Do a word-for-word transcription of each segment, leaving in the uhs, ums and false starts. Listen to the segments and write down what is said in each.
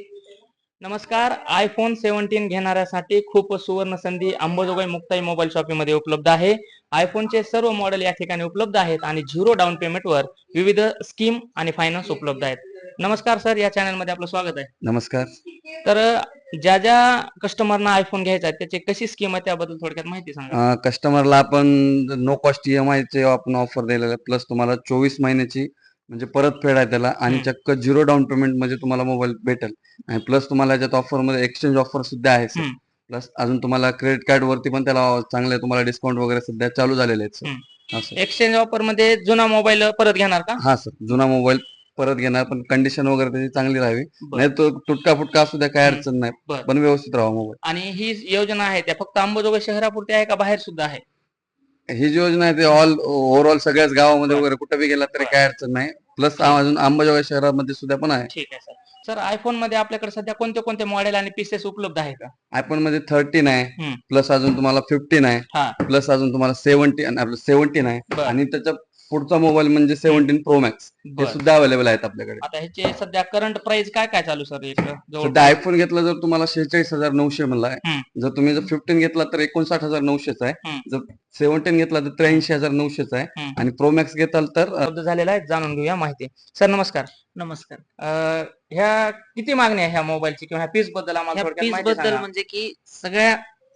नमस्कार. IPhone seventeen घेणाऱ्यासाठी खूप सुवर्ण संधी अंबाजोगाई मुक्ताई मोबाईल शॉपीमध्ये उपलब्ध आहे. आयफोनचे सर्व मॉडेल या ठिकाणी उपलब्ध आहेत आणि झिरो डाऊन पेमेंटवर विविध स्कीम आणि फायनान्स उपलब्ध आहेत. नमस्कार सर, या चॅनलमध्ये आपलं स्वागत आहे. नमस्कार. तर ज्या ज्या कस्टमरना आयफोन घ्यायचा आहे त्याची कशी स्कीम आहे त्याबद्दल थोडक्यात माहिती सांगा. कस्टमरला आपण नो कॉस्ट ईएमआय चे आपण ऑफर दिलेलं आहे. प्लस तुम्हाला चोवीस महिन्याची म्हणजे परतफेड आहे त्याला आणि हम्म. चक्क झिरो डाऊन पेमेंट म्हणजे तुम्हाला मोबाईल भेटेल. आणि प्लस तुम्हाला याच्यात ऑफर मध्ये एक्सचेंज ऑफर सुद्धा आहे सर. हम्म. प्लस अजून तुम्हाला क्रेडिट कार्ड वरती पण त्याला चांगले तुम्हाला डिस्काउंट वगैरे सध्या चालू झालेले आहेत सर. हम्म. असं एक्सचेंज ऑफर मध्ये जुना मोबाईल परत घेणार का? हा सर, जुना मोबाईल परत घेणार, पण कंडिशन वगैरे त्याची चांगली राहावी. बरं. नाही तो तुटका फुटका असू द्या, काय हम्म. अडचण नाही, बरं. पण व्यवस्थित राहावा मोबाईल. आणि ही योजना आहे त्या फक्त अंबाजोगाई शहरापुरती आहे का बाहेर सुद्धा आहे? ही जी योजना आहे ते ऑल ओव्हरऑल सगळ्याच गावामध्ये बरं. वगैरे कुठे बी गेला तरी बरं. काय अडचण नाही. प्लस ठीक. अजून अंबाजोगाई शहरामध्ये सुद्धा पण आहे. ठीक आहे सर. सर आयफोन मध्ये आपल्याकडे सध्या कोणते कोणते मॉडेल आणि पीसेस उपलब्ध आहे का? आयफोन मध्ये थर्टीन आहे, हम्म. प्लस अजून तुम्हाला फिफ्टीन आहे, हा. प्लस अजून तुम्हाला सेव्हन्टीन आपलं सेव्हन्टीन आहे बरं. आणि त्याच्या पुढचा मोबाईल म्हणजे सेव्हन्टीन प्रो मॅक्स हे बरं. सुद्धा अवेलेबल आहेत आपल्याकडे. आता ह्याचे सध्या करंट प्राइस काय काय चालू सर इकडं सध्या जवळपास? आयफोन घेतला जर तुम्हाला शेहेचाळीस हजार नऊशे म्हणला आहे. हम्म. जर तुम्ही जर फिफ्टीन घेतला तर एकोणसाठ हजार नऊशेच आहे. हम्म. जर सेव्हन्टीन घेतला तर त्र्याऐंशी हजार नऊशेच आहे हम्म. आणि प्रो मॅक्स घेताल तर अ, उपलब्ध झालेला आहे, जाणून घेऊया माहिती. सर नमस्कार. नमस्कार. अं, ह्या किती मागणी आहे ह्या मोबाईलची किंवा ह्या पीस बद्दल आम्हाला ह्या थोडक्यात पीस माहिती बद्दल सांगा. म्हणजे की सगळ्या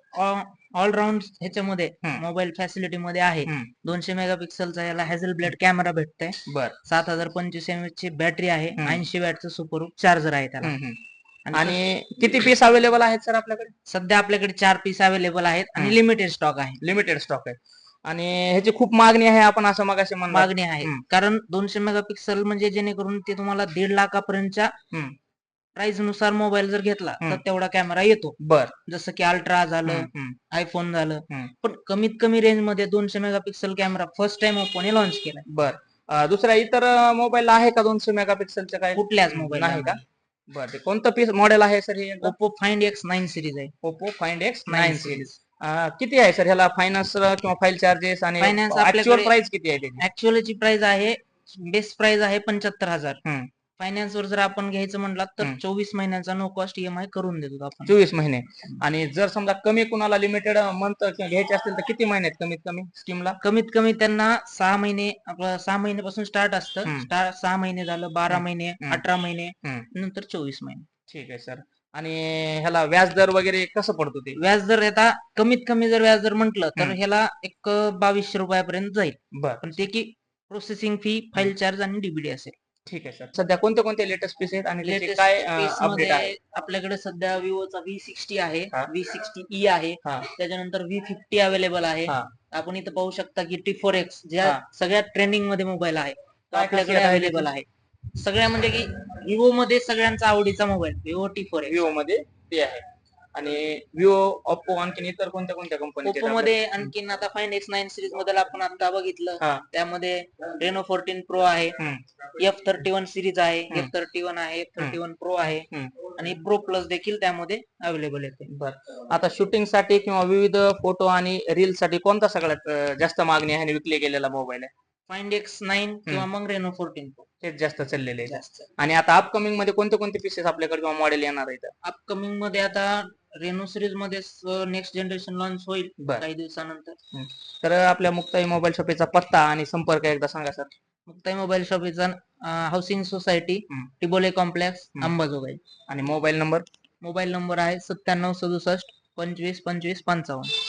ऑलराऊंड ह्याच्यामध्ये हम्म. मोबाईल फॅसिलिटी मध्ये आहे. हम्म. दोनशे मेगापिक्सलचा याला हॅझल ब्लेड कॅमेरा भेटतोय. बर. सात हजार पंचवीस एम एच ची बॅटरी आहे. हम्म. ऐंशी वॅटचं सुपर चार्जर आहे त्याला. हम्म, हम्म. आणि आणि किती पीस अवेलेबल आहेत सर आपल्याकडे? सध्या आपल्याकडे चार पीस अवेलेबल आहेत आणि हम्म. लिमिटेड स्टॉक आहे. लिमिटेड स्टॉक आहे आणि ह्याची खूप मागणी आहे आपण असं मगाशी म्हणलं. मागणी आहे कारण दोनशे मेगापिक्सल म्हणजे जेणेकरून ते तुम्हाला दीड लाखापर्यंतच्या हम्म. प्राइस नुसार मोबाईल जर घेतला तर हम्म. तेवढा कॅमेरा येतो. बर. जसं की अल्ट्रा झालं, हम्म. आयफोन झालं. हम्म. पण कमीत कमी रेंज मध्ये दोनशे मेगापिक्सल कॅमेरा फर्स्ट टाइम ओप्पोने लॉन्च केलाय. बर. अं, दुसऱ्या इतर मोबाईल आहे का दोनशे मेगापिक्सलचे काय? कुठल्याच मोबाईल नाही का? बर. ते कोणतं पीस मॉडेल आहे सर हे? Oppo find X nine series आहे. Oppo find X nine nine series. Series किती आहे सर ह्याला फायनान्स किंवा फाईल चार्जेस आणि फायनान्स ऍक्च्युअल आपल्याकडे प्राइस किती आहे त्याची? ऍक्च्युअलची प्राइस आहे, बेस्ट प्राइस आहे पंच्याहत्तर हजार. हम्म. फायनान्स वर जर आपण घ्यायचं म्हणलं तर हम्म. चोवीस महिन्यांचा नो कॉस्ट ईएमआय करून देतो आपण. चोवीस महिने. आणि जर समजा कमी कुणाला लिमिटेड मंथ घ्यायचे असतील तर किती महिन्यात कमीत कमी स्कीमला? कमीत कमी त्यांना सहा महिने आपलं सहा महिन्यापासून स्टार्ट असतं. हम्म. स्टार्ट सहा महिने झालं, बारा महिने, हम्म. अठरा महिने, हम्म. नंतर चोवीस महिने. ठीक आहे सर. आणि ह्याला व्याज दर वगैरे कसं पडतो ते? व्याज दर आता कमीत कमी जर व्याज दर म्हटलं तर हम्म. ह्याला एक बावीसशे रुपयापर्यंत जाईल. बर. पण ते की प्रोसेसिंग फी, फाईल चार्ज आणि डीबीडी असेल. ठीक आहे सर. सध्या कोणते कोणते लेटेस्ट पीस आहेत आणि त्याचे लेटेस्ट काय पीस अपडेट आहे? मध्ये आपल्याकडे सध्या विवोचा व्ही सिक्स्टी आहे, हा. व्ही सिक्स्टी ई आहे, हा. त्याच्यानंतर व्ही फिफ्टी अवेलेबल आहे. हा. आपण इथं पाहू शकता की टी फोर एक्स ज्या हा. सगळ्यात ट्रेंडिंग मध्ये मोबाईल आहे तो काय आपल्याकडे खासियत आहे अवेलेबल त्याची? आहे. सगळ्या म्हणजे की विवो मध्ये सगळ्यांचा आवडीचा mobile Vivo T four X. Vivo मध्ये ते आहे. आणि विवो, ओप्पो आणखी इतर कोणत्या कोणत्या कंपनी? ओप्पो मध्ये आणखीन आता फाइंड एक्स नाईन सिरीज मध्ये आपण आता बघितलं हा. त्यामध्ये रेनो फोर्टीन प्रो आहे, हम्म. एफ थर्टी वन सिरीज आहे, हम्म. एफ थर्टी वन आहे, एफ थर्टी वन प्रो आहे हम्म. आणि प्रो प्लस देखील त्यामध्ये अवेलेबल येते. बर. आता शूटिंग साठी किंवा विविध फोटो आणि रील साठी कोणता सगळ्यात अं, जास्त मागणी आहे आणि विकले गेलेला मोबाईल आहे? फाइंड एक्स नाईन किंवा मग रेनो फोर्टीन प्रो तेच जास्त चाललेले आहे. जास्त. आणि आता अपकमिंग मध्ये कोणते कोणते पीसेस आपल्याकडे किंवा मॉडेल येणार आहेत? अपकमिंग मध्ये आता रेनो सिरीज मध्ये नेक्स्ट जनरेशन लॉन्च होईल बर. काही दिवसानंतर. तर आपल्या मुक्ताई मोबाईल शॉपीचा पत्ता आणि संपर्क एकदा सांगा सर. मुक्ताई मोबाईल शॉपीचा हाऊसिंग सोसायटी, हम्म. टिबोले कॉम्प्लेक्स, हम्म. अंबाजोगाई. आणि मोबाईल नंबर? मोबाईल नंबर आहे सत्त्याण्णव सदुसष्ट पंचवीस पंचवीस पंचावन्न.